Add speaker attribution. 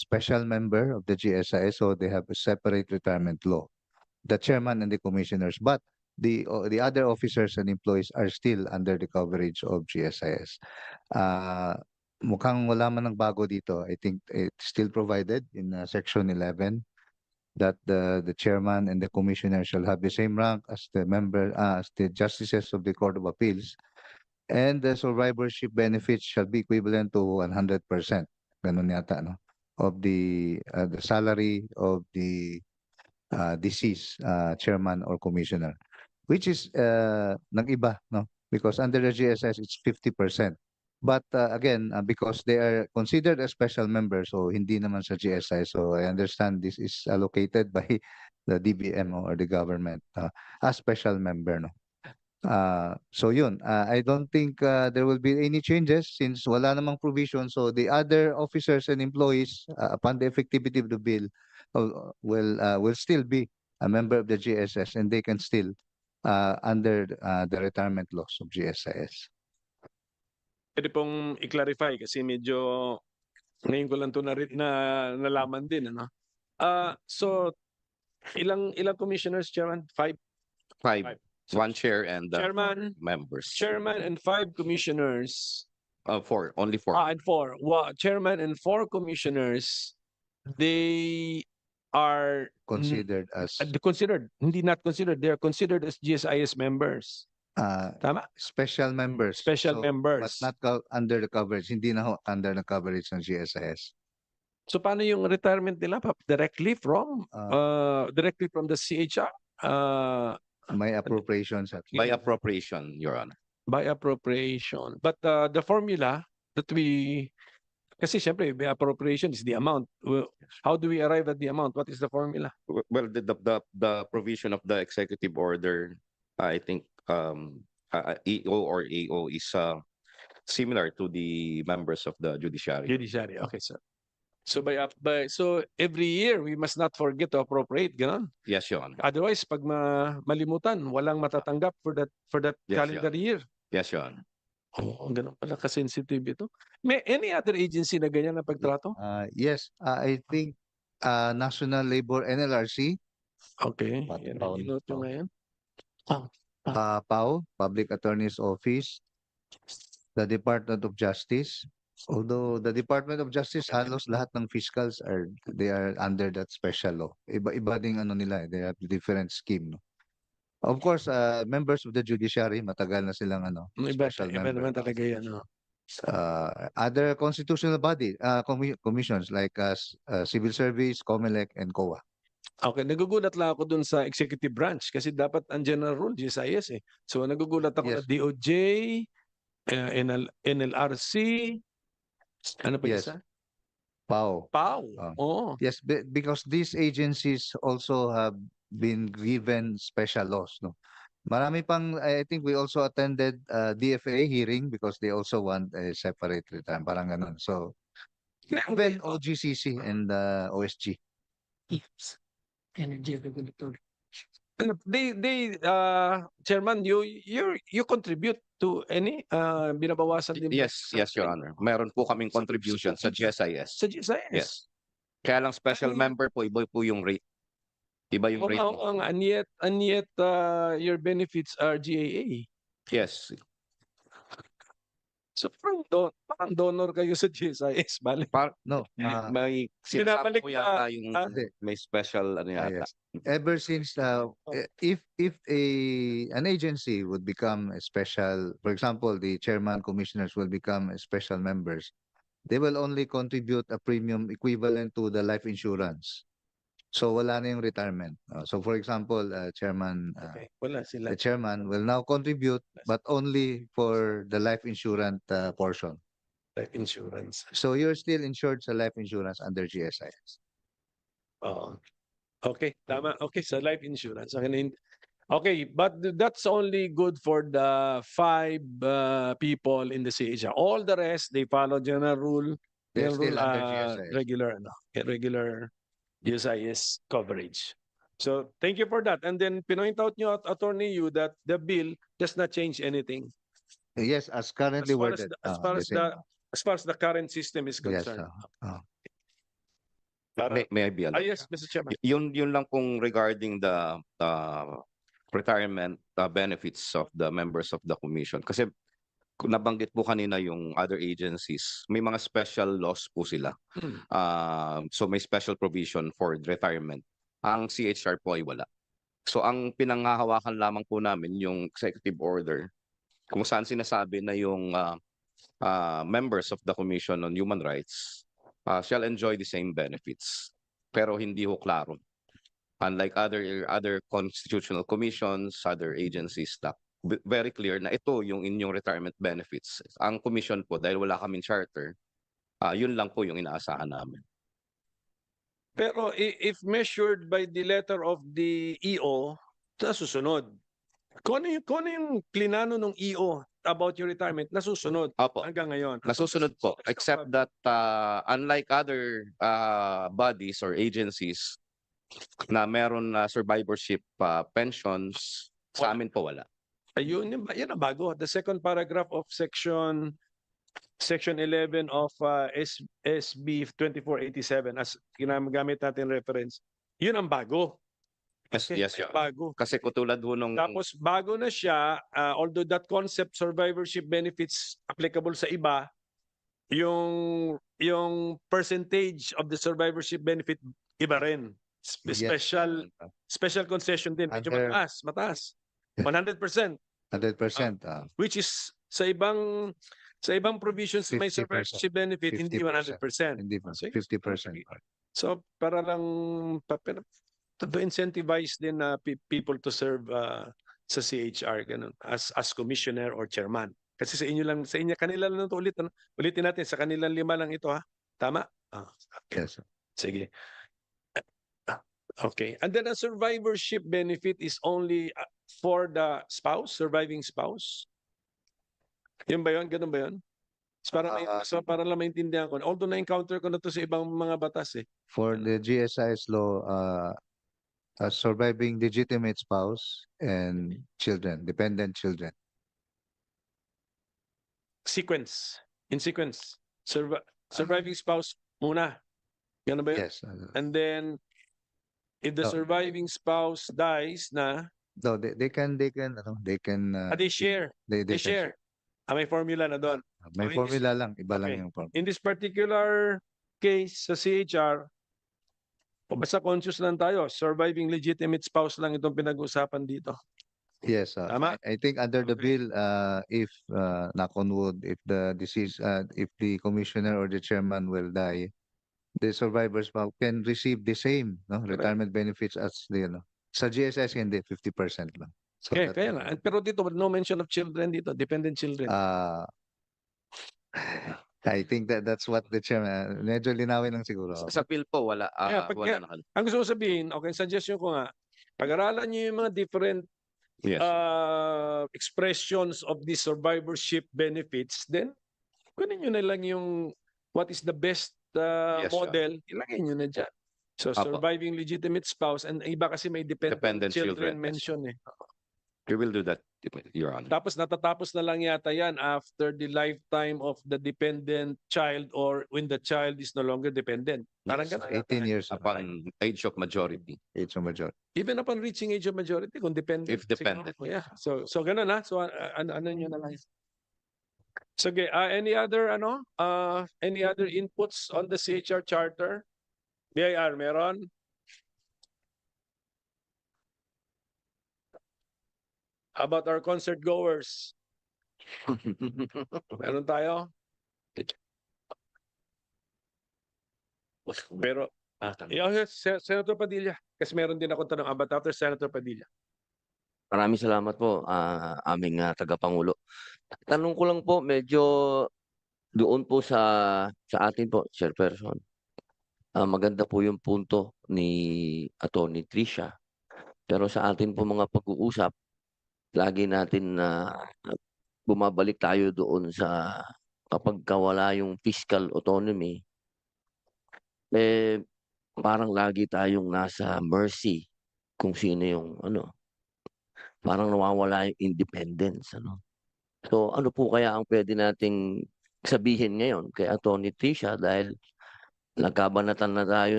Speaker 1: special member of the GSIS, so they have a separate retirement law. The chairman and the commissioners, but the other officers and employees are still under the coverage of GSIS. Uh, Mukhang wala man ng bago dito. I think it's still provided in Section 11 that the chairman and the commissioner shall have the same rank as the member as the justices of the Court of Appeals, and the survivorship benefits shall be equivalent to 100%. Ganun yata, no? Of the salary of the deceased chairman or commissioner, which is nag-iba, no? Because under the GSS, it's 50%. But again, because they are considered a special member, so hindi naman sa GSI. So I understand this is allocated by the DBM or the government as special member, no? So yun, I don't think there will be any changes since wala namang provision. So the other officers and employees, upon the effectivity of the bill, will still be a member of the GSS, and they can still under the retirement laws of GSIS.
Speaker 2: Pwede pong i-clarify kasi medyo ngayon ko lang ito nalaman din. Ano? So, ilang commissioners, Chairman? Five.
Speaker 3: One chair and
Speaker 2: Chairman,
Speaker 3: members.
Speaker 2: Chairman and 5 commissioners.
Speaker 3: Four. Only four.
Speaker 2: And 4. Chairman and 4 commissioners, they are
Speaker 1: Considered as
Speaker 2: not considered. They are considered as GSIS members. Tama?
Speaker 1: special members.
Speaker 2: Special
Speaker 1: So,
Speaker 2: members.
Speaker 1: But not under the coverage. Hindi na ho under the coverage ng GSIS.
Speaker 2: So paano yung retirement nila? Directly from the CHR?
Speaker 1: May appropriations at
Speaker 3: By appropriation, Your Honor.
Speaker 2: By appropriation. But the formula that kasi syempre, by appropriation is the amount. How do we arrive at the amount? What is the formula?
Speaker 3: Well, the provision of the executive order, I think EO or AO is similar to the members of the judiciary.
Speaker 2: Judiciary. Okay, sir. So so every year we must not forget to appropriate, ganon.
Speaker 3: Yes, Your Honor.
Speaker 2: Otherwise, pag malimutan, walang matatanggap for that
Speaker 3: Yes,
Speaker 2: calendar year.
Speaker 3: Yes, Your Honor.
Speaker 2: Oh, ganun pala ka-sensitive ito. May any other agency na ganyan na pagtrato?
Speaker 1: Yes, I think National Labor NLRC,
Speaker 2: Okay.
Speaker 1: Pat-
Speaker 2: Yan,
Speaker 1: Paul-
Speaker 2: inote nyo ngayon.
Speaker 1: PAO, Public Attorney's Office, the Department of Justice. Although the Department of Justice, halos lahat ng fiscals they are under that special law. Iba ding ano nila, they have different scheme. No? Of course, members of the judiciary, matagal na silang special
Speaker 2: Iba
Speaker 1: member.
Speaker 2: naman talaga yan. No?
Speaker 1: Other constitutional body, commissions like Civil Service, COMELEC, and COA.
Speaker 2: Okay, nagugulat lang ako dun sa executive branch kasi dapat ang general rule, GSIS eh. So nagugulat ako na
Speaker 1: Yes.
Speaker 2: DOJ, NLRC, ano pa
Speaker 1: Yes.
Speaker 2: isa?
Speaker 1: PAO.
Speaker 2: PAO.
Speaker 1: Ah.
Speaker 2: Oo.
Speaker 1: Yes, because these agencies also have been given special laws, no? Marami pang, I think we also attended DFA hearing because they also want a separate retirement, parang ganun. So, even OGCC and OSG.
Speaker 4: Yes. Energy regulatory.
Speaker 2: Chairman, you contribute to any binabawasan din ba?
Speaker 3: Yes, Your Honor. Meron po kaming contribution sa GSIS.
Speaker 2: Sa GSIS?
Speaker 3: Yes. Kaya lang special member po, iba po yung rate. Iba yung rate.
Speaker 2: And yet your benefits are GAA.
Speaker 3: Yes.
Speaker 2: So parang donor kayo sa GSIS, bali.
Speaker 1: No,
Speaker 3: May
Speaker 2: Binabalik
Speaker 3: po yata yung
Speaker 1: Hindi.
Speaker 3: may special ano yata.
Speaker 1: yes. Ever since if an agency would become a special, for example, the chairman commissioners will become special members, they will only contribute a premium equivalent to the life insurance. So wala na yung retirement. So for example, chairman
Speaker 2: Okay, wala sila.
Speaker 1: the chairman will now contribute but only for the life insurance portion.
Speaker 2: Life insurance.
Speaker 1: So you're still insured sa life insurance under GSIS.
Speaker 2: Oo. Okay, tama. Okay, sa life insurance. Okay, but that's only good for the 5 people in the CHR. All the rest, they follow general rule.
Speaker 1: They're
Speaker 2: General
Speaker 1: still under GSIS.
Speaker 2: regular GSIS coverage. So thank you for that. And then pinoint out nyo, Attorney Yu, that the bill does not change anything.
Speaker 1: Yes, as currently worded.
Speaker 2: As far as the current system is
Speaker 1: Yes,
Speaker 2: concerned. Para,
Speaker 3: May I be allowed?
Speaker 2: yes, Mr. Chairman.
Speaker 3: Yun lang pong regarding the retirement benefits of the members of the commission. Kasi kung nabanggit po kanina yung other agencies, may mga special laws po sila.
Speaker 2: Hmm.
Speaker 3: So may special provision for retirement. Ang CHR po ay wala. So ang pinanghahawakan lamang po namin yung executive order kung saan sinasabi na yung members of the Commission on Human Rights shall enjoy the same benefits. Pero hindi ho klaro. Unlike other constitutional commissions, other agencies, very clear na ito yung inyong retirement benefits. Ang commission po, dahil wala kaming charter, yun lang po yung inaasahan namin.
Speaker 2: Pero if measured by the letter of the EO, nasusunod. Kung ano yung plinano ng EO about your retirement, nasusunod
Speaker 3: Opo.
Speaker 2: hanggang ngayon.
Speaker 3: Nasusunod po, except that unlike other bodies or agencies na meron survivorship pensions, sa amin po wala.
Speaker 2: Ayun, yan ang bago. The second paragraph of section 11 of SB 2487 as ginagamit natin reference. Yun ang bago.
Speaker 3: Yes,
Speaker 2: Okay,
Speaker 3: yes, Your Honor.
Speaker 2: bago.
Speaker 3: Kasi katulad ho nung
Speaker 2: Tapos bago na siya, although that concept survivorship benefits applicable sa iba, yung percentage of the survivorship benefit iba rin. Special concession din. Medyo
Speaker 1: Under-
Speaker 2: mataas. 100%,
Speaker 1: 100%.
Speaker 2: which is sa ibang provisions may
Speaker 1: 50%,
Speaker 2: survivorship benefit hindi 100%.
Speaker 1: Hindi pa.
Speaker 2: Sige.
Speaker 1: 50%.
Speaker 2: So para lang to incentivize din people to serve sa CHR ganun as commissioner or chairman. Kasi sa kanila lang ito ulitin natin sa kanilang 5 lang ito ha. Tama? Okay.
Speaker 1: Yes.
Speaker 2: Sige. Okay. And then a survivorship benefit is only for the spouse, surviving spouse. Yun ba yun? Ganun ba yun? Para lang maintindihan ko. Although na-encounter ko na to sa ibang mga batas eh.
Speaker 1: For the GSIS law, a surviving legitimate spouse and children, dependent children.
Speaker 2: In sequence. Surviving spouse muna. Ganun ba yun?
Speaker 1: Yes.
Speaker 2: And then, if the
Speaker 1: Oh.
Speaker 2: surviving spouse dies na,
Speaker 1: No, they can, they
Speaker 2: share.
Speaker 1: they
Speaker 2: They
Speaker 1: can
Speaker 2: share. May formula na doon.
Speaker 1: May
Speaker 2: Okay,
Speaker 1: formula lang, iba lang
Speaker 2: okay.
Speaker 1: yung formula.
Speaker 2: In this particular case sa CHR, basta conscious lang tayo, surviving legitimate spouse lang itong pinag-usapan dito.
Speaker 1: Yes,
Speaker 2: Tama?
Speaker 1: I think under the
Speaker 2: Okay.
Speaker 1: bill, if knock on wood, if the commissioner or the chairman will die, the survivors can receive the same retirement benefits as the sa GSS hindi 50% lang. So
Speaker 2: Okay,
Speaker 1: that
Speaker 2: kaya
Speaker 1: will
Speaker 2: nga.
Speaker 1: be-
Speaker 2: Pero dito, no mention of children dito, dependent children.
Speaker 1: I think that's what the chairman, medyo linawin lang siguro.
Speaker 3: sa bill po wala
Speaker 2: Kaya, Ang gusto ko sabihin, okay, suggestion ko nga, pag-aralan niyo yung mga different
Speaker 3: yes.
Speaker 2: expressions of the survivorship benefits, then kunin nyo na lang yung what is the best
Speaker 3: Yes, sir.
Speaker 2: model, ilagay nyo na dyan. So
Speaker 3: Apo.
Speaker 2: surviving legitimate spouse and iba kasi may dependent
Speaker 3: Dependent
Speaker 2: children
Speaker 3: children, yes.
Speaker 2: mention eh.
Speaker 3: We will do that, Your Honor.
Speaker 2: Tapos natatapos na lang yata yan after the lifetime of the dependent child or when the child is no longer dependent. Parang
Speaker 3: Yes,
Speaker 2: ganun.
Speaker 1: 18 years
Speaker 3: Upon age of majority.
Speaker 1: age of majority.
Speaker 2: Even upon reaching age of majority, kung dependent.
Speaker 3: If dependent,
Speaker 2: siguro. Yeah. So ganun na. So ano nyo na lang. So okay, any other inputs on the CHR charter? BIR meron? How about our concert goers? Meron tayo? Pero Senator Padilla, kasi meron din ako tanong about after Senator Padilla.
Speaker 5: Maraming salamat po, aming tagapangulo. Tanong ko lang po, medyo doon po sa atin po, Chairperson. Maganda po yung punto ni Atty. Tricia. Pero sa atin po mga pag-uusap, lagi natin na bumabalik tayo doon sa kapag wala yung fiscal autonomy, parang lagi tayong nasa mercy kung sino yung parang nawawala yung independence. So ano po kaya ang pwede nating sabihin ngayon kay Atty. Tricia dahil nagkabanatan na tayo